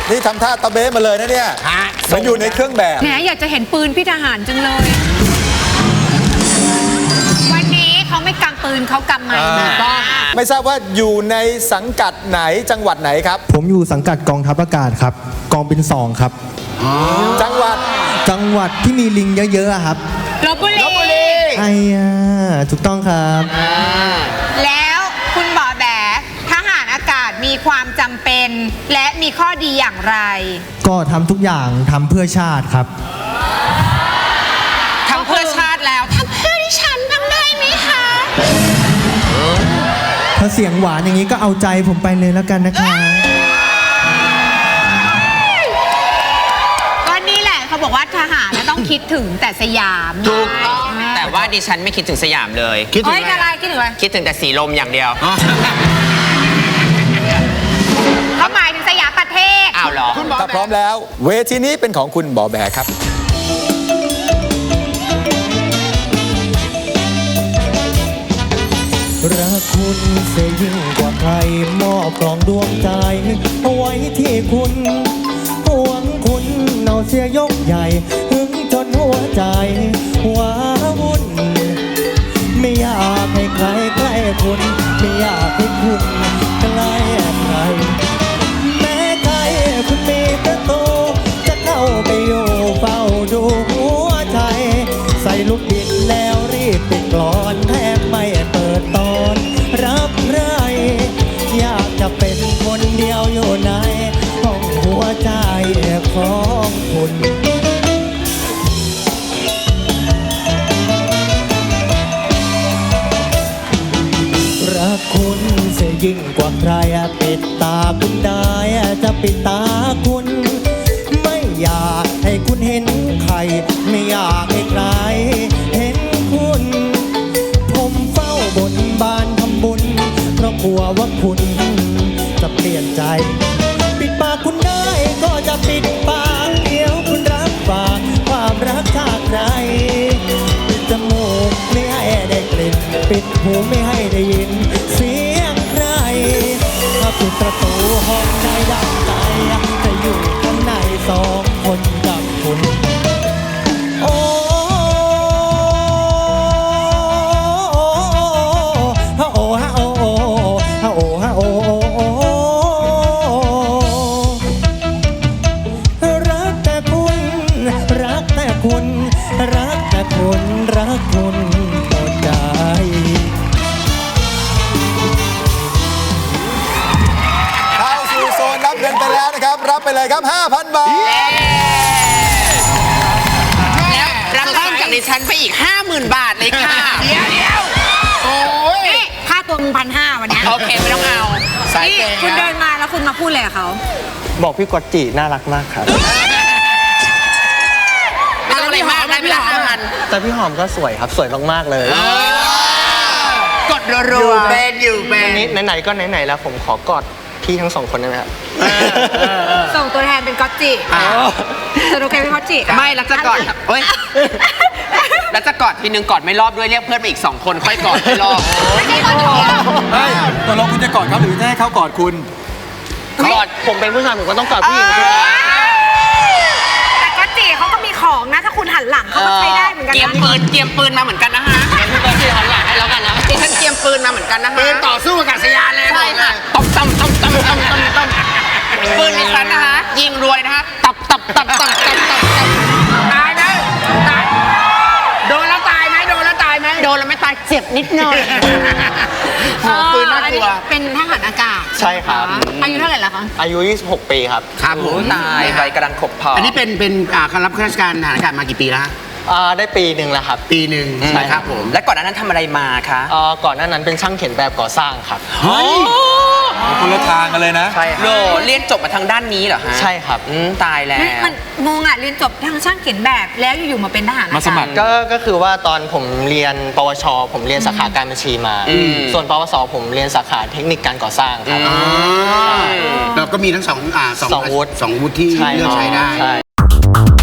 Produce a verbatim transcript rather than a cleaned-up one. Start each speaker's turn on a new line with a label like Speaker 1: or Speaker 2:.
Speaker 1: นี่ทำท่าตะเบ้มาเลยนะเนี่ยมันอยู่ในเครื่องแบบ
Speaker 2: แหมอยากจะเห็นปืนพี่ทหารจังเลย วันนี้เขาไม่กำปืนเขากำไม้มาบ้าง
Speaker 1: ไม่ทราบว่าอยู่ในสังกัดไหนจังหวัดไหนครับ
Speaker 3: ผมอยู่สังกัดกองทัพอากาศครับกองบินสองครับ
Speaker 1: จังหวัด
Speaker 3: จังหวัดที่มีลิงเยอะๆอะครับ
Speaker 2: ลพบุรี
Speaker 3: ไอ้ยาถูกต้องครับ
Speaker 2: แล้วคุณบอแบทหารอากาศมีความจำเป็น และมีข้อดีอย่างไร
Speaker 3: ก็ทำทุกอย่างทำเพื่อชาติครับ
Speaker 2: ทำเพื่อชาติแล้วทำเพื่อดิฉันบ้างได้ไหมคะ
Speaker 3: ถ้าเสียงหวานอย่างนี้ก็เอาใจผมไปเลยแล้วกันนะคะ
Speaker 2: ก็นี่แหละเขาบอกว่าทหารต้องคิดถึงแต่สยาม
Speaker 4: ถูกต้องแต่ว่าดิฉันไม่คิดถึงสยามเลยคิดถึ
Speaker 2: เฮ้ย
Speaker 4: ง
Speaker 2: อะไรคิดถึงอะไร
Speaker 4: คิดถึงแต่สีลมอย่างเดียว
Speaker 2: เขาหมายถึงสยามประเทศ
Speaker 4: อ้าวเหรอ
Speaker 1: ถ้าพร้อมแล้วเวทีนี้เป็นของคุณบอแบครับ
Speaker 3: รักคุณเสียยิ่งกว่าใครมอบกล่องดวงใจเอาไว้ที่คุณหวังคุณเอาเสียยกใหญ่หึงจนหัวใจว้าวุ่นไม่อยากให้ใครใกล้คุณไม่อยากให้คุณใกล้ใครแม้ใครคุณมีประตูจะเข้าไปอยู่เฝ้าดูหัวใจใส่ลูกบิดแล้วรีบปิดกลอนแทบไม่เปิดตอนรับใครอยากจะเป็นคนเดียวอยู่ในห้องหัวใจของคุณรักคุณเสียยิ่งกว่าใครปิดตาคุณได้จะปิดตาคุณไม่อยากให้คุณเห็นใครไม่อยากให้ใครเห็นคุณผมเฝ้าบนบานทำบุญเพราะกลัวว่าคุณจะเปลี่ยนใจปิดปากคุณได้ก็จะปิดปากเดี๋ยวคุณรับฝากความรักจากใครปิดจมูกไม่ให้ได้กลิ่นปิดหูไม่ให้ได้ยินเสียงใครถ้าปิดประตูห้องได้ดังใจจะอยู่ข้างในสองคนกับคุณโอ้ฮะโอ้ฮะโอ้ฮะโอ้ฮะโอ้รักแต่คุณรักแต่คุณรักแต่คุณรักคุณหมดใจ
Speaker 1: เข้าสู่โซนรับเงินไปแล้วนะครับ รับไปเลยครับ ห้าพัน บาท
Speaker 4: แล้วรับเพิ่มจากดิฉันไปอีก ห้าหมื่น บาทเลยค่ะเดี๋ยวเดี๋ยวโอ้ย
Speaker 2: นี่ค่าตัวมึงพันห้าวันเนี้ย
Speaker 4: โอเคไม่ต้องเอาสาย
Speaker 2: นี่
Speaker 4: เกย์
Speaker 2: คุณเดินมาแล้วคุณมาพูดอะไรกับเขา
Speaker 3: บอกพี่กอตจิน่ารักมากครับ
Speaker 4: ไม่ต้องอะไรมากได้ไม่ละห้าพัน
Speaker 3: แต่พี่หอมก็สวยครับสวยมากๆเลย
Speaker 4: กดรัวๆเป็นอยู่เป็น
Speaker 3: นี่ไหนๆก็ไหนๆแล้วผมขอกอดพี่ทั้งสองคนได้ไหมครับ
Speaker 2: ส่งตัวแทนเป็นก๊อตจิจะโอเคเป็นก๊อตจิ
Speaker 4: ไม่แล้วจะกอดเฮ้ยแล้วจะกอดทีนึงกอดไม่รอบด้วยเรียกเพื่อนไปอีกสองคนค่อยกอดไม่รอบ
Speaker 2: ไม่ใช่ก๊อตจิ
Speaker 1: เฮ้ยตกลงคุณจะกอดเขาหรือจะให้เขากอดคุณ
Speaker 3: กอดผมเป็นผู้ชายผมก็ต้องกอดผู้หญิงสิ
Speaker 2: แต่ก๊อตจิเขาก็มีของนะ ถ้าคุณหันหลังเขาก็ใช้ได้เหมือนกัน
Speaker 4: เกียม
Speaker 2: นะ
Speaker 4: ปืนเกียมปืนมาเหมือนกันนะฮะเกียมปืนที่หันหลังให้แล้วกันนะดิฉันเกียมปืนมาเหมือนกันนะฮะปืนต่อสู้กับสยานเลยใช่ค่ะตบตบตบตบตบตบตบปืนดิฉันนะฮะยิงรวยนะฮะตับตับตับตับตับตับตายไหมตายโดนแล้วตายไหมโดนแล้วตายไหมโดนแล้วไม่ตายเจ็บนิดหน่อยปืนน่ากลัว
Speaker 2: เป็นทหารอากาศ
Speaker 3: ใช่ครับ
Speaker 2: อายุเท่าไหร่แล้วคะ
Speaker 3: อายุยี่สิบหกปีครับ
Speaker 4: ครับผมตายใบกำลังขบพอ
Speaker 5: อันนี้เป็นเป็นอ่าการรับราชการทหารอากาศมากี่ปีแล้วฮะ
Speaker 3: อ่าได้ปีหนึ่งแล้วครับ
Speaker 5: ปีหนึ่ง
Speaker 3: ใช่
Speaker 5: นะครับผม
Speaker 4: และก่อนหน้านั้นทำอะไรมาคะ
Speaker 3: อ่าก่อนหน้านั้นเป็นช่างเขียนแบบก่อสร้างครับ
Speaker 5: เฮ้ย
Speaker 1: คนละทางกันเลยนะ
Speaker 3: ใช่ค
Speaker 4: โล
Speaker 3: รับ
Speaker 4: เรียนจบมาทางด้านนี้เหรอฮะ
Speaker 3: ใช่ครับ
Speaker 4: อืมตายแล้ว
Speaker 2: ไม่มันงงอ่ะ เรียนจบทางช่างเขียนแบบแล้วอยู่ๆมาเป็นทหารอากาศ
Speaker 1: มาสมัคร
Speaker 3: ก็ก็คือว่าตอนผมเรียนปวช ผมเรียนสาขาการบัญชีมา
Speaker 4: อืม
Speaker 3: ส่วนปวส ผมเรียนสาขาเทคนิคการก่อสร้างครับ
Speaker 5: อ่าเราก็มีทั้งสองอ่าสอง
Speaker 3: สองวุฒิ
Speaker 5: สองวุฒิที่
Speaker 3: ใช่
Speaker 5: เลือกใช้ได้
Speaker 3: ใช่